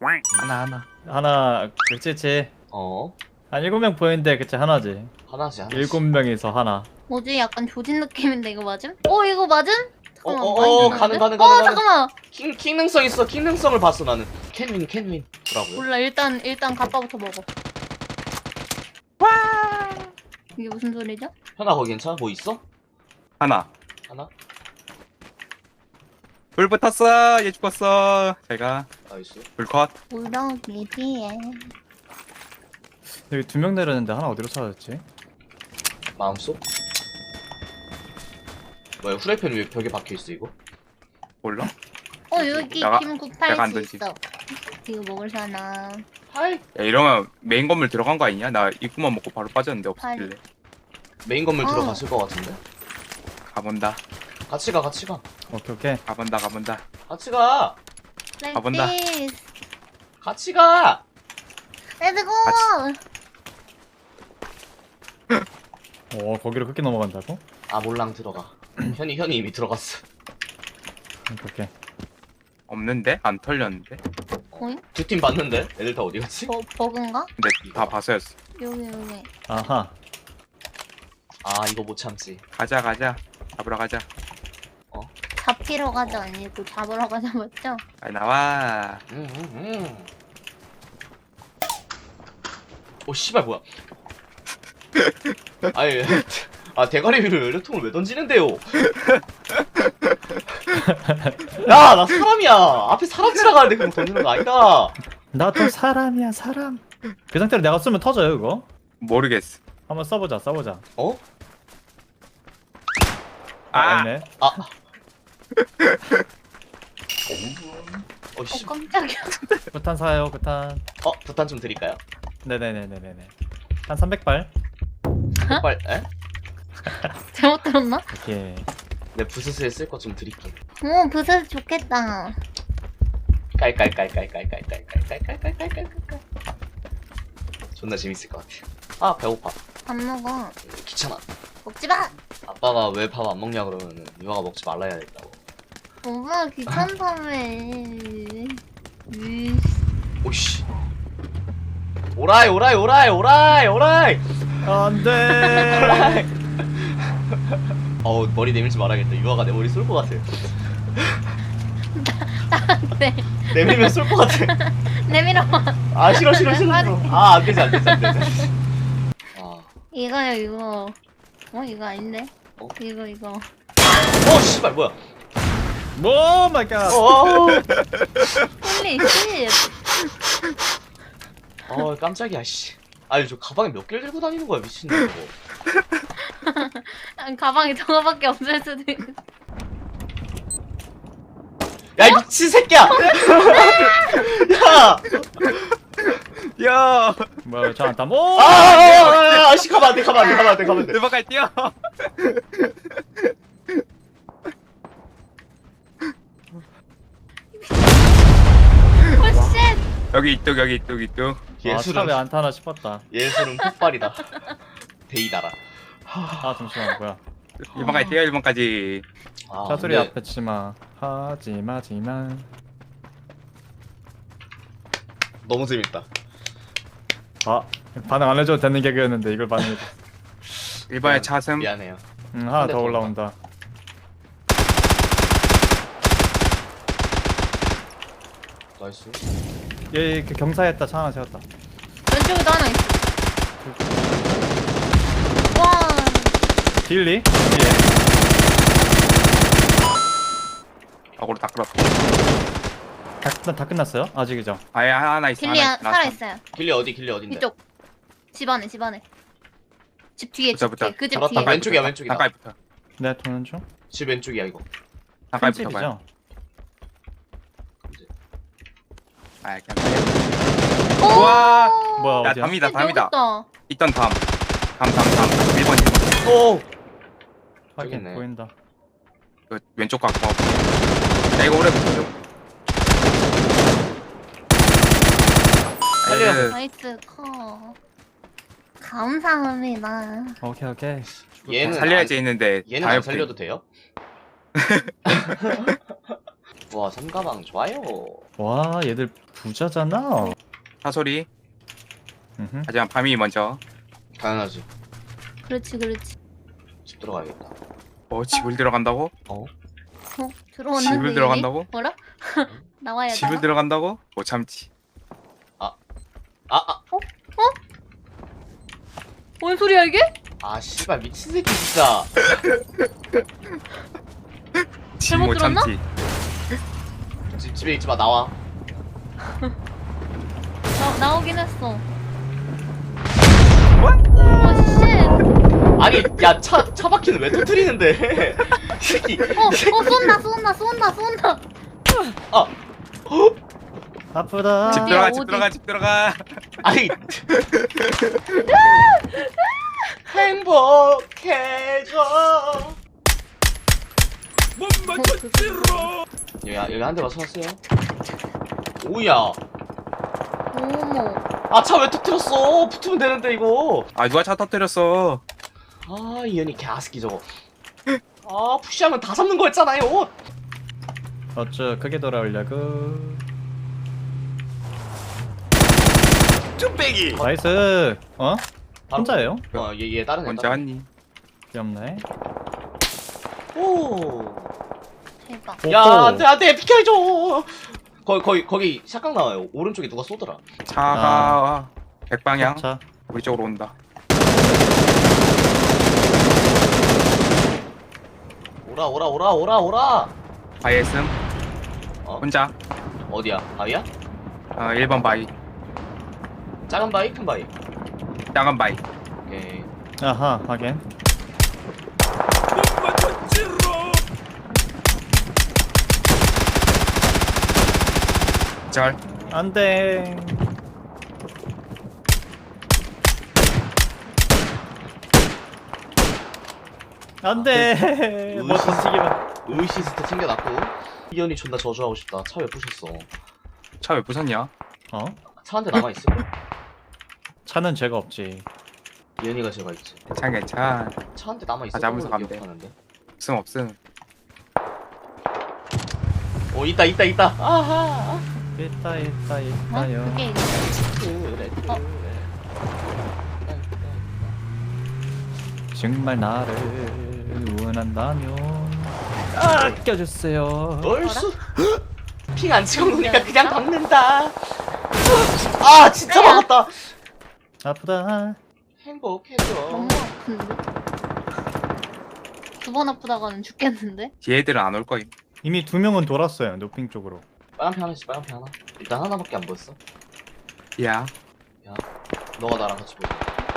하나 그치지. 한 7명 보이는데 그치 하나지. 하나지. 7명에서 하나. 뭐지? 약간 조진 느낌인데 이거 맞음? 이거 맞음? 잠깐만, 많이 가는. 잠깐만. 킹능성 있어. 킹능성을 봤어 나는. 캔윈. 뭐라고요? 몰라, 일단 가빠부터 먹어. 이게 무슨 소리죠? 현아 거기 괜찮아? 뭐 있어? 하나. 불 붙었어. 얘 죽었어. 제가 나이스. 불컷. 우럭이 뒤에. 여기 2명 내렸는데 하나 어디로 사라졌지? 마음속? 뭐야 후라이팬 왜 벽에 박혀있어 이거? 몰라? 여기 내가 김987 안 던지. 있어. 이거 먹을 사나? 하이. 야 이러면 메인 건물 들어간 거 아니냐? 나 입구만 먹고 바로 빠졌는데 없었길래. 메인 건물 들어갔을 것 같은데? 가본다. 같이 가. 오케이. 가본다. 같이 가. 가본다. 같이 가. 렛츠고! 거기로 그렇게 넘어간다고? 아 몰랑 들어가. 현이 이미 들어갔어. 오케이. 없는데? 안 털렸는데? 거인? 두 팀 봤는데? 애들 다 어디 갔지? 버그인가? 근데 다 봐서였어. 여기. 아하. 아 이거 못 참지. 가자. 잡으러 가자. 잡히러 가자 아니고 잡으러 가자 맞죠? 빨리 나와. 오 씨발 뭐야? 아니 대가리 위로 연료통을 왜 던지는데요? 야 나 사람이야. 앞에 사람 지나가는데 그럼 던지는 거 아니다. 나도 사람이야 사람. 그 상태로 내가 쏘면 터져요 이거? 모르겠어. 한번 써보자. 어? 아니네. 씨. 깜짝이야. 부탄 사요 부탄. 부탄 좀 드릴까요? 네네네네네. 한 300발. 빨리. 에? 잘못 들었나? 오케이. 내 부스스에 쓸 거 좀 드릴게. 오, 부스 좋겠다. 깔깔깔깔깔깔깔깔깔깔깔깔깔깔. 존나 재밌을 것 같아. 아 배고파. 밥 먹어. 귀찮아. 먹지 마! 아빠가 왜 밥 안 먹냐 그러면은 유아가 먹지 말라 해야 된다고. 엄마 귀찮다며. 오씨. 오라이. 안돼. 머리 내밀지 말아야겠다. 유아가 내 머리 쏠 것 같아. 네. 내밀면 쏠 것 같아. 내밀어. 아 싫어. 아 안 되지. 이거요 이거. 이거 아닌데? 어? 이거. 씨발 뭐야? 오 마이 갓. 홀리 씨. 깜짝이야 씨. 아니 저 가방에 몇 개를 들고 다니는 거야 미친놈 이거. 가방에 저거밖에 없을 수도 있어. 야 이 미친 새끼야! 야! 야. 뭐야 저안 땀. 오. 씨 가면 안 돼. 대박까지 뛰어. 오쉣. 여기 이쪽. 차 왜 안 타나 싶었다. 예술은 폭발이다. 데이다라. 잠시만 뭐야. 1번까지 뛰어. 1번까지. 차 소리 근데 앞에 치마. 하지마지만. 너무 재밌다. 반응 안 해줘도 되는 개그였는데 이걸 반응해줘. 1번에 차슴. 미안해요. 하나 근데 더 더 올라온다. 나이스. 얘 그 경사했다. 차 하나 세웠다. 왼쪽에도 하나 있어. 와. 딜리? 거꾸로 다 끌었다. 다 끝났어요? 아직이죠? 아예 하나 있어. 길리 살아있어요. 길리 어딘데? 이쪽. 집 안에. 집 뒤에. 붙어. 그 집 잡았다. 뒤에. 왼쪽이다. 가까이 붙어. 네, 도는 중. 집 왼쪽이야 이거. 가까이 큰 붙어봐요. 집이죠? 아 그냥. 오! 우와. 뭐야 야 어디야? 담이다. 여기 있다. 있던 다음 1번. 오. 확인 있네. 보인다. 그 왼쪽 갖고. 야 이거 오래 붙어줘. 살려. 나이스 커. 감사합니다. 오케이. 얘는 살려야지 했는데 얘는 안 살려도 돼요? 와 삼가방 좋아요. 와 얘들 부자잖아. 사소리. 음흠. 하지만 밤이 먼저. 당연하지. 그렇지 그렇지. 집 들어가야겠다. 집을 들어간다고? 들어왔는데 집을 이미? 들어간다고? 뭐라? 나와야 돼. 집을 들어간다고? 못 참지. 뭔 소리야 이게? 아 씨발 미친 새끼 진짜. 집 잘못 못 들었나? 참지. 집에 있지 마 나와. 나오긴 했어. 오 쉣. 아니 야 차 바퀴는 왜 터뜨리는데? 이 새끼. 쏜다. 아 아프다. 집 어디야, 들어가, 어디? 집 들어가. 아니. 행복해져. 여기 한 대만 쏘았어요. 오야. 어머. 아 차 왜 터뜨렸어? 붙으면 되는데 이거. 아 누가 차 터뜨렸어? 아 이현이 개아스키 저거. 아 푸시하면 다 잡는 거였잖아요. 어쭈 크게 돌아오려고. 쭈빼기. 나이스. 어? 혼자예요? 어얘 다른 애. 언제 다른 왔니? 귀엽네. 애. 오. 대박. 야 오호. 안돼 비켜줘. 거기 샷각 나와요. 오른쪽에 누가 쏘더라. 차가 백방향 자, 우리 쪽으로 온다. 오라. 바이에슴 어 혼자. 어디야? 바위야? 1번 바이. 작은 바위? 큰 바위? 작은 바이. 오케이. 아하 하긴. 절. 안돼. 안돼. 뭐 던지기만. 의시스트 챙겨놨고. 이현이 존나 저주하고 싶다. 차 왜 부셨어? 차 왜 부쉈냐? 어? 차 한 대 남아있어. 차는 죄가 없지. 이현이가 제가 있지. 괜찮. 차 한 대 남아있어. 아, 잡으면서 가면 돼. 기억하는데. 없음. 오 있다. 아하. 있다 어? 있다요. 그게 이거. 그래. 어. 정말 나를 원한다면 아껴주세요. 얼쑤. 핑안 찍어놓으니까 그냥 박는다. 아 진짜 야. 박았다. 아프다. 행복해져. 너무 아픈데? 두 번 아프다가는 죽겠는데? 얘들은 안 올 거임. 이미 2명은 돌았어요. 노핑 쪽으로. 빨간 핑 하나씩 빨간 핑 하나. 일단 하나밖에 안 보였어. 야. 너가 나랑 같이 보자.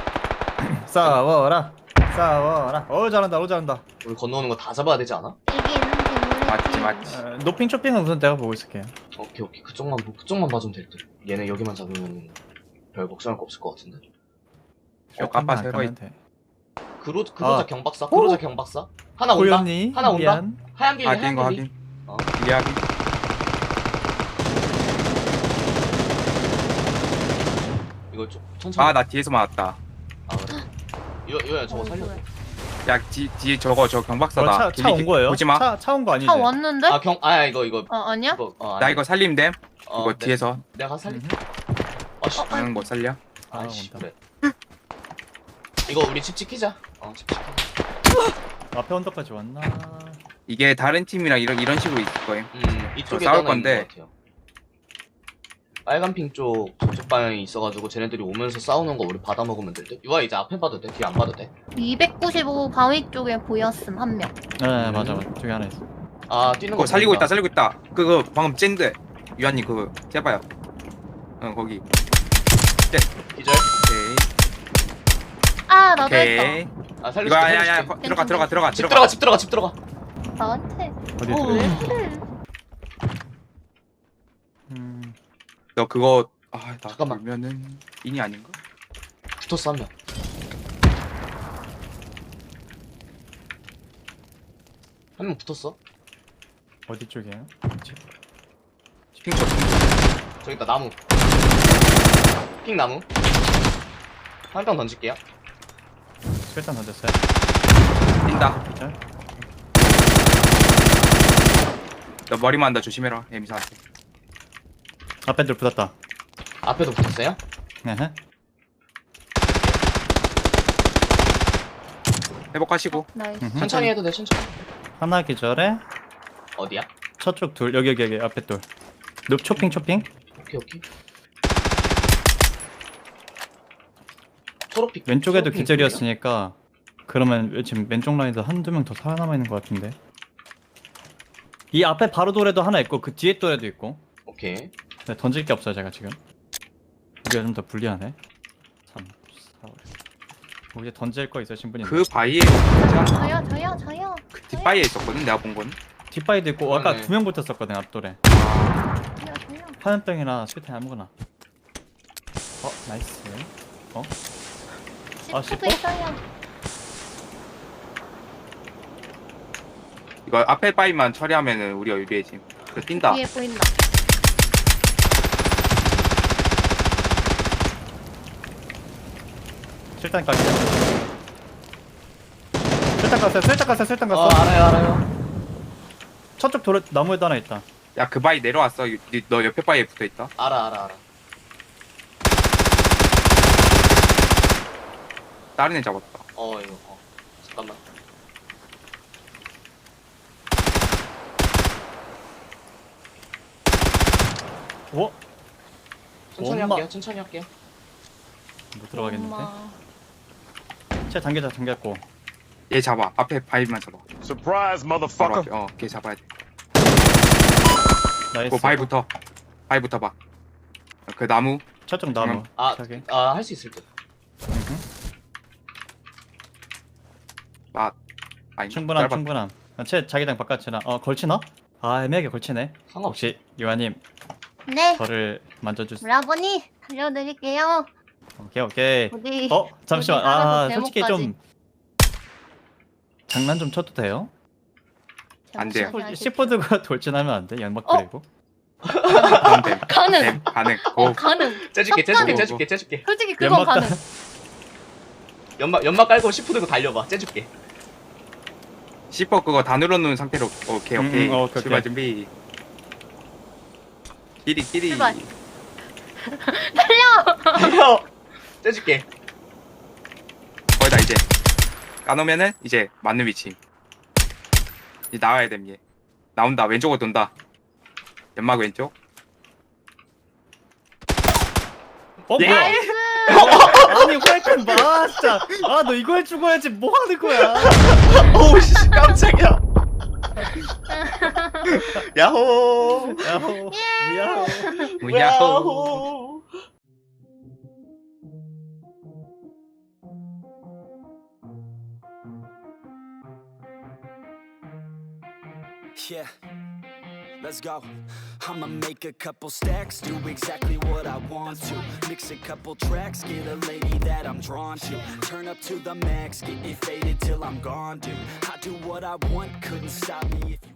싸워라. 잘한다. 우리 건너오는 거 다 잡아야 되지 않아? 여기 있는 게 맞지. 노핑 쇼핑은 우선 내가 보고 있을게요. 오케이 그쪽만 봐주면 될 듯. 얘네 여기만 잡으면 별 걱정할 거 없을 것 같은데. 요 까빠 새거 있. 돼. 그로자 아. 경박사. 그로자 경박사. 하나 온다. 고현이 하나 온다. 미안. 하얀 길리 확인 거 하얀 길리. 확인. 어. 이해하기. 이거 좀 천천히. 나 뒤에서 맞았다. 아 그래. 이거 저거 살려. 야 뒤에 저거 저 경박사다. 차 온 거예요? 보지 마. 차 온 거 아니지? 차 왔는데? 이거. 아니야? 나 이거 살림 됨. 이거 네. 뒤에서. 내가 가서 살릴게. 음흠. 아씨. 나는 못 살려. 아씨 온다. 그래. 이거 우리 집 지키자. 집 지키자. 앞에 언덕까지 왔나? 이게 다른 팀이랑 이런 식으로 있을 거임. 이쪽에 싸울 하나 건데. 있는 것 같아요. 빨간 핑 쪽 저쪽 방향이 있어가지고 쟤네들이 오면서 싸우는 거 우리 받아 먹으면 될 듯. 유아 이제 앞에 봐도 돼? 뒤에 안 봐도 돼? 295 바위 쪽에 보였음 한 명. 네 맞아. 저기 하나 있어. 뛰는 그거 거 살리고 보인다. 있다 살리고 있다. 그거 방금 찐데. 유한님 그거 해봐요. 거기. 기절? 오케이. 아 나도 했다. 오케이. 살릴 이거 수 있게, 야야야 살릴 수 있게. 들어가. 집 들어가. 나한테. 어디 어, 있어? 왜 그래? 너 그거 나 잠깐만. 돌면은 인이 아닌가? 붙었어 한 명. 한 명 붙었어. 어디 쪽이에요? 핑크. 저기 있다 나무. 핑 나무. 한 명 던질게요. 일단 던졌어요. 뛴다. 자, 너 머리만 한다 조심해라 에미사한테. 앞에 들 붙었다. 앞에도 붙었어요? 에헤. 회복하시고. 나이스. 음흠. 천천히 해도 돼, 천천히. 하나 기절에 어디야? 저쪽 둘 여기 앞에 둘. 늪 초핑. 오케이. 초록빛. 왼쪽에도 초록빛 기절이었으니까 그러면 지금 왼쪽 라인도 한두 명 더 살아남아 있는 것 같은데. 이 앞에 바로 돌에도 하나 있고 그 뒤에 돌에도 있고. 오케이. 네, 던질 게 없어요 제가 지금. 우리가 좀 더 불리하네. 3, 4, 5. 이제 던질 거 있어요 신분이. 그 바위에 있잖아. 저요. 그 뒷바위에 있었거든 내가 본 건. 뒷바위도 있고 아까 그러네. 2명 붙었었거든 앞돌에. 저요. 화염병이나 수류탄 아무거나. 나이스. 아, 시프트 있어요. 이거 앞에 바위만 처리하면은 우리가 유리해짐. 그 뛴다. 위에 보인다. 실탄 깔게. 실탄 갔어. 알아요. 저쪽 돌에 나무에도 하나 있다. 야 그 바위 내려왔어. 너 옆에 바위에 붙어 있다. 알아. 다른 애 잡았다. 이거. 잠깐만. 오? 천천히 엄마. 할게요. 못 들어가겠는데? 엄마. 쟤 잠겼고. 얘 잡아. 앞에 바위만 잡아. Surprise, 바로 motherfucker. 앞에. 걔 잡아야 돼. 나이스. 그 바위부터. 바위부터 봐. 그 나무. 저쪽 나무. 저기. 할 수 있을 듯. 아니. 충분함. 쟤 자기장 바깥이나. 걸치나? 애매하게 걸치네. 상관없어. 혹시 요한님 네. 저를 만져주세요. 브라보니 달려드릴게요. 오케이. 어디? 잠시만. 어디 살아서 솔직히 제목까지. 좀 장난 좀 쳐도 돼요? 안 돼요. C4 들고 돌진하면 안 돼? 연막 어? 그리고. 그럼 됨. 가능. 가능. 가능. 째줄게. 솔직히 그건 연막 가능. 연막 깔고 시프 들고 달려봐. 째줄게. C4 그거 다 눌러놓은 상태로. 오케이. 오케이. 출발 준비. 끼리. 출발. 달려. 째줄게. 거기다 이제 까놓으면은 이제 맞는 위치. 이제 나와야 됨 얘. 나온다. 왼쪽으로 돈다. 연막 왼쪽. 예. 뭐야? 아니 웰컴 봐 진짜. 너 이거 해주고 해야지 뭐 하는 거야? 오우씨 깜짝이야. 야호. 야호. 야호. 야호. Yeah, let's go. I'ma make a couple stacks, do exactly what I want to. Mix a couple tracks, get a lady that I'm drawn to. Turn up to the max, get me faded till I'm gone, dude. I do what I want, couldn't stop me if you